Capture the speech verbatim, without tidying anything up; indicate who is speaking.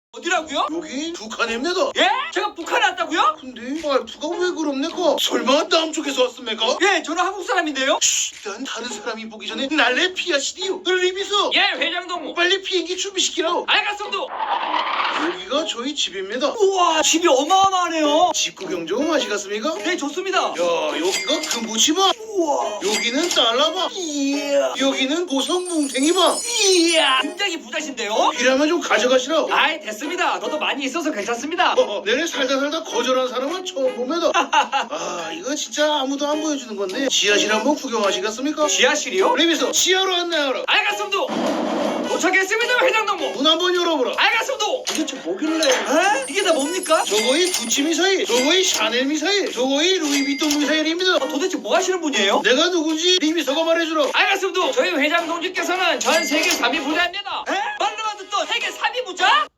Speaker 1: 어디라고요?
Speaker 2: 여기 북한입니다.
Speaker 1: 예? 제가 북한에 왔다고요?
Speaker 2: 근데 말투가 왜 그럽니까? 설마 남쪽에서 왔습니까?
Speaker 1: 예, 저는 한국 사람인데요.
Speaker 2: 일단 다른 사람이 보기 전에 날래 피하시디요. 리비서
Speaker 1: 예, 회장동무.
Speaker 2: 빨리 비행기 준비시키라오.
Speaker 1: 알겠습니다.
Speaker 2: 여기가 저희 집입니다.
Speaker 1: 우와, 집이 어마어마하네요.
Speaker 2: 집 구경 좀 하시겠습니까?
Speaker 1: 네, 좋습니다.
Speaker 2: 야, 여기가 금부치방.
Speaker 1: 우와.
Speaker 2: 여기는 달러방.
Speaker 1: 이야.
Speaker 2: 여기는 고성 뭉탱이방.
Speaker 1: 이야. 굉장히 부자신데요?
Speaker 2: 필요하면 좀 가져가시라.
Speaker 1: 아이, 됐습니다. 저도 많이 있어서 괜찮습니다.
Speaker 2: 어, 내내 살다 살다 거절한 사람은 처음 봅니다. 아, 이거 진짜 아무도 안 보여주는 건데 지하실 한번 구경하시겠습니까?
Speaker 1: 지하실이요?
Speaker 2: 리비서 지하로 안내하라.
Speaker 1: 알겠습니다. 도착했습니다, 회장동무.
Speaker 2: 문 한번 열어보라.
Speaker 1: 알겠습니다. 도대체 뭐길래? 에? 이게 다 뭡니까?
Speaker 2: 저거이 구찌 미사일, 저거이 샤넬 미사일, 저거이 루이비통 미사일입니다.
Speaker 1: 아, 도대체 뭐 하시는 분이에요?
Speaker 2: 내가 누군지 리비서가 말해주라.
Speaker 1: 알겠습니다. 저희 회장 동지께서는 전 세계 삼 위 부자입니다. 에? 말로만 듣던 세계 삼 위 부자?